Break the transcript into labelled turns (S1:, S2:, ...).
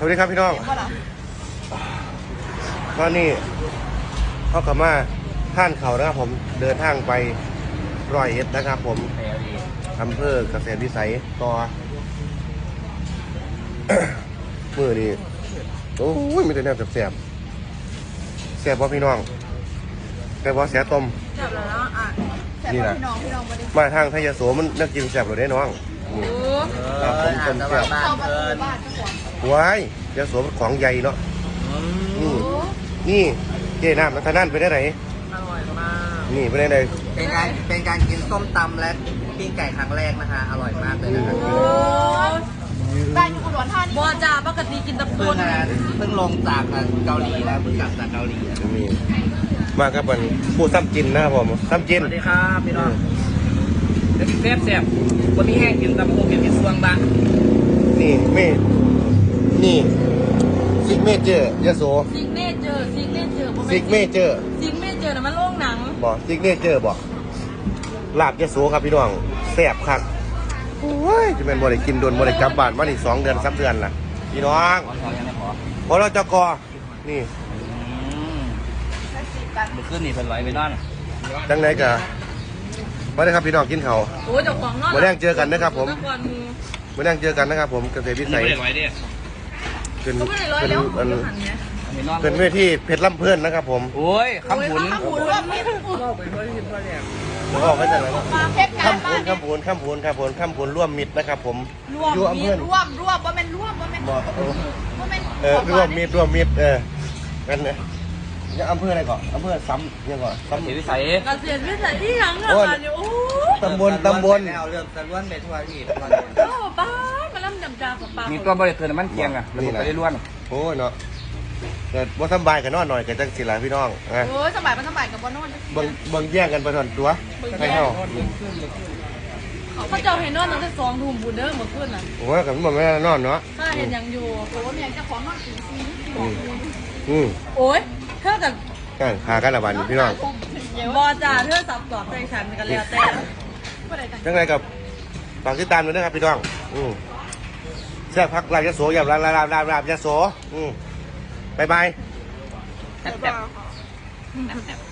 S1: วัสดีครับพี่น้องตอนนี้เขากลับมาท่านเขานะครับผมเดินทางไป101นะครับผมอำเภอเกษตรวิสัยต่อ มือนี่โอ้ยมีแต่แนวแสบแสบว่าพี่น้องแต่ว่าแสบต้ม
S2: แสบแล้วเนาะอ่ะ
S1: นี่นะ
S2: พี่น้อง
S1: มาทางไทยโสมันน่ากินแสบหรือได้น้องครับผมต้มแสบว้ายยาโสมันของใหญ่เนาะนี่เจ๊น้ำนัทนั่นไปได้ไหน
S2: อร่อยมาก
S1: นี่ไปได้ไหน
S3: เป็นการกินส้มตำและปิ้งไก่ครั้งแรกนะคะอร่อยมากเลยนะครับ
S2: ได้อยู่อุดรธานีบัวจ่าปกติกินตะปูน
S3: เพิ่งลงจากเกาหลีแล้วเพิ่งกลับจากเกาหลี
S1: นี่มาครับมันผู้ซ้ำจินนะครับผมซ้ำจิน
S3: สวัสดีครับพี่น้องแล้วกินแซ่บวันนี้แห้งกินตำปูกินที่สวงบ้าง
S1: นี่นี่ซิกเมเจอร์ยโส
S2: ซิกเนเจอร์นะมันโล่งหนัง
S1: บอกซิกเนเจอร์บอกลาบยโสครับพี่น้องแซ่บคักโอ้ยจะเป็นบ่ได้กินโดนบ่ได้กลับบ้านมาอีก2 เดือน3 เดือนล่ะพี่น้องพอเราจะกอนี่
S3: เมื่อคืนนี่เป็นไรไปนอน
S1: ดังไหนกะมาได้ครับพี่น้องกินเขา
S2: โอ้ยเจ้าของนอน
S1: มาแรงเจอกันนะครับผมมาแรงเจอกันนะครับผมเกษตรวิสัยเป็นเวทีเพชรลำเพื่อนนะครับผม
S3: โอ้ยคำผุน
S2: ร่วมมิตร
S1: ออกไปจากไหนคำผุนร่วมมิตรนะครับผม
S2: ร่วมว่าเป็นร่วม
S1: ร่วมมิตรกันเนี่ยยังอำเภออะไรก่อนอำเภอซ้ำยังก่อน
S3: เกษตรวิสัย
S2: ที่หลังอ่ะโอ้
S1: ตำบล
S3: เรื่องตะล้วนไปทั่วที่
S2: ป้ามาล่ำดำจ่าป้า
S3: มีตัวบริเวณมันเกียงอ่ะนี่นะได้ล้วน
S1: โอ้ยเนาะแต่ว่าสบายกันนอนหน่อยกับจังสิหลายพี่น้อง
S2: โอ้ยสบายมันสบายกับบ่นอน
S1: บางแย่งกันไปทอนตัวให้เข้า
S2: เขาเจ้าเห็นนอนตั้งแต่2 ทุ่มบุญเด้อเมื่อคืนน่ะ
S1: โอ้ยกับมันไม่ได้นอนเนาะ
S2: ถ้าเห็นยังอยู่โอ้ยยังจะของนอน
S1: 4
S2: โอ้ยเท่ากับ
S1: กันหากันละวันพี่น้อง
S2: บอจ่าเธอสับสอกใจฉันกันแล้วแต่
S1: ยังไงกับฝากติดตามด้วยนะครับพี่น้องแซ่บพักลาบยโสอย่าลาบยโสบาย